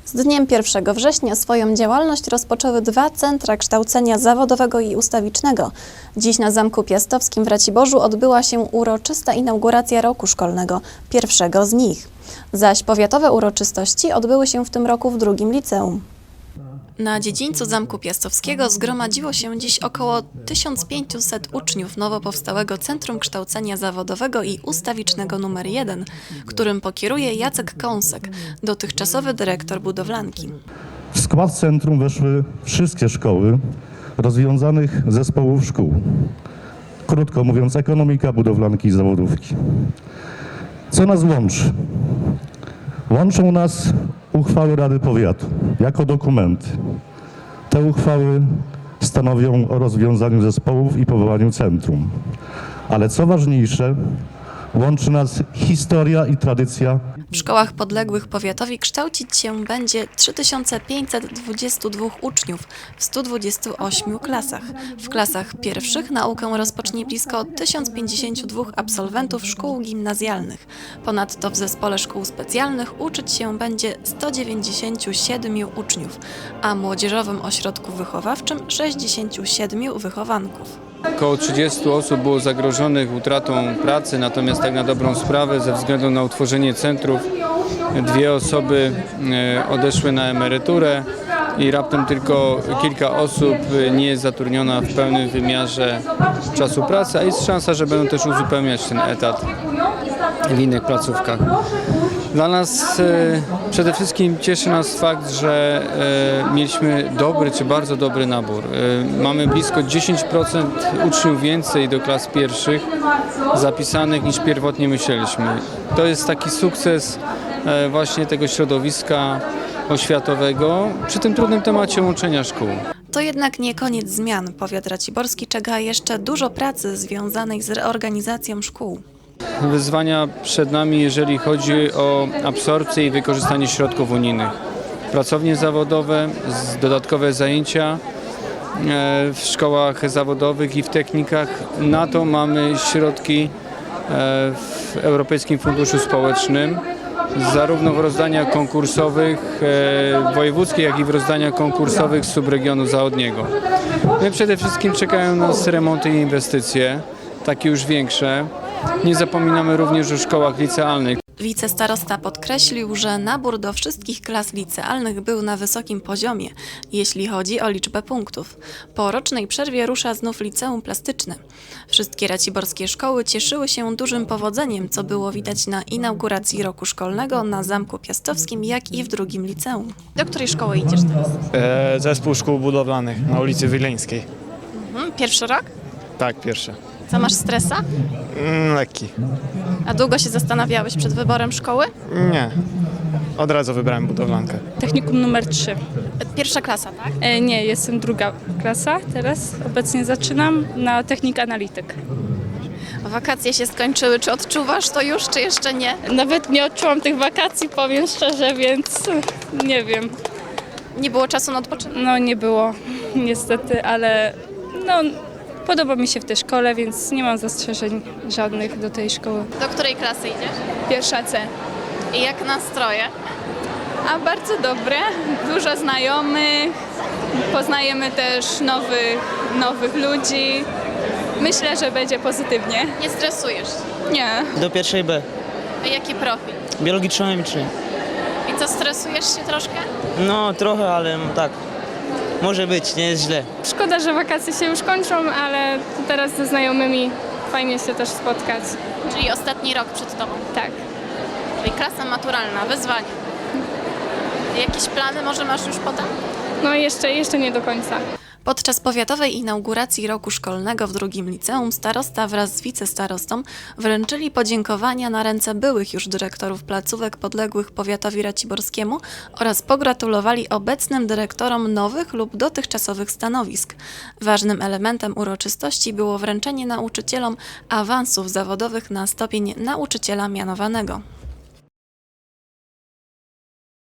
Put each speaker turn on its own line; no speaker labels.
Z dniem 1 września swoją działalność rozpoczęły 2 centra kształcenia zawodowego i ustawicznego. Dziś na Zamku Piastowskim w Raciborzu odbyła się uroczysta inauguracja roku szkolnego, pierwszego z nich. Zaś powiatowe uroczystości odbyły się w tym roku w drugim liceum. Na dziedzińcu Zamku Piastowskiego zgromadziło się dziś około 1500 uczniów nowo powstałego Centrum Kształcenia Zawodowego i Ustawicznego nr 1, którym pokieruje Jacek Kąsek, dotychczasowy dyrektor budowlanki.
W skład centrum weszły wszystkie szkoły rozwiązanych zespołów szkół. Krótko mówiąc, ekonomika, budowlanki i zawodówki. Co nas łączy? Łączą nas uchwały Rady Powiatu jako dokumenty. Te uchwały stanowią o rozwiązaniu zespołów i powołaniu centrum. Ale co ważniejsze, łączy nas historia i tradycja.
W szkołach podległych powiatowi kształcić się będzie 3522 uczniów w 128 klasach. W klasach pierwszych naukę rozpocznie blisko 1052 absolwentów szkół gimnazjalnych. Ponadto w zespole szkół specjalnych uczyć się będzie 197 uczniów, a młodzieżowym ośrodku wychowawczym 67 wychowanków.
Około 30 osób było zagrożonych utratą pracy, natomiast tak na dobrą sprawę ze względu na utworzenie centrów 2 osoby odeszły na emeryturę i raptem tylko kilka osób nie jest zatrudniona w pełnym wymiarze czasu pracy, a jest szansa, że będą też uzupełniać ten etat w innych placówkach. Dla nas przede wszystkim cieszy nas fakt, że mieliśmy dobry czy bardzo dobry nabór. Mamy blisko 10% uczniów więcej do klas pierwszych zapisanych niż pierwotnie myśleliśmy. To jest taki sukces właśnie tego środowiska oświatowego przy tym trudnym temacie łączenia szkół.
To jednak nie koniec zmian. Powiat raciborski czeka jeszcze dużo pracy związanej z reorganizacją szkół.
Wyzwania przed nami, jeżeli chodzi o absorpcję i wykorzystanie środków unijnych. Pracownie zawodowe, dodatkowe zajęcia w szkołach zawodowych i w technikach. Na to mamy środki w Europejskim Funduszu Społecznym, zarówno w rozdaniach konkursowych wojewódzkich, jak i w rozdaniach konkursowych z subregionu zachodniego. My przede wszystkim czekają nas remonty i inwestycje, takie już większe. Nie zapominamy również o szkołach licealnych.
Wicestarosta podkreślił, że nabór do wszystkich klas licealnych był na wysokim poziomie, jeśli chodzi o liczbę punktów. Po rocznej przerwie rusza znów liceum plastyczne. Wszystkie raciborskie szkoły cieszyły się dużym powodzeniem, co było widać na inauguracji roku szkolnego na Zamku Piastowskim, jak i w drugim liceum. Do której szkoły idziesz teraz?
Zespół szkół budowlanych na ulicy Wileńskiej.
Pierwszy rok?
Tak, pierwszy.
Co, masz stresa?
Lekki.
A długo się zastanawiałeś przed wyborem szkoły?
Nie. Od razu wybrałem budowlankę.
Technikum numer 3.
Pierwsza klasa, tak?
Nie, jestem druga klasa teraz. Obecnie zaczynam na technik analityk.
Wakacje się skończyły. Czy odczuwasz to już, czy jeszcze nie?
Nawet nie odczułam tych wakacji, powiem szczerze, więc nie wiem.
Nie było czasu na odpoczynek?
No nie było niestety, ale podoba mi się w tej szkole, więc nie mam zastrzeżeń żadnych do tej szkoły.
Do której klasy idziesz?
Pierwsza C.
I jak nastroje?
A bardzo dobre, dużo znajomych, poznajemy też nowych ludzi. Myślę, że będzie pozytywnie.
Nie stresujesz się?
Nie.
Do pierwszej B.
A jaki profil?
Biologiczno-chemiczny.
I co, stresujesz się troszkę?
No trochę, ale tak. Może być, nie jest źle.
Szkoda, że wakacje się już kończą, ale teraz ze znajomymi fajnie się też spotkać.
Czyli ostatni rok przed tobą.
Tak.
Czyli klasa maturalna, wyzwanie. Jakieś plany może masz już potem?
No jeszcze nie do końca.
Podczas powiatowej inauguracji roku szkolnego w drugim liceum starosta wraz z wicestarostą wręczyli podziękowania na ręce byłych już dyrektorów placówek podległych powiatowi raciborskiemu oraz pogratulowali obecnym dyrektorom nowych lub dotychczasowych stanowisk. Ważnym elementem uroczystości było wręczenie nauczycielom awansów zawodowych na stopień nauczyciela mianowanego.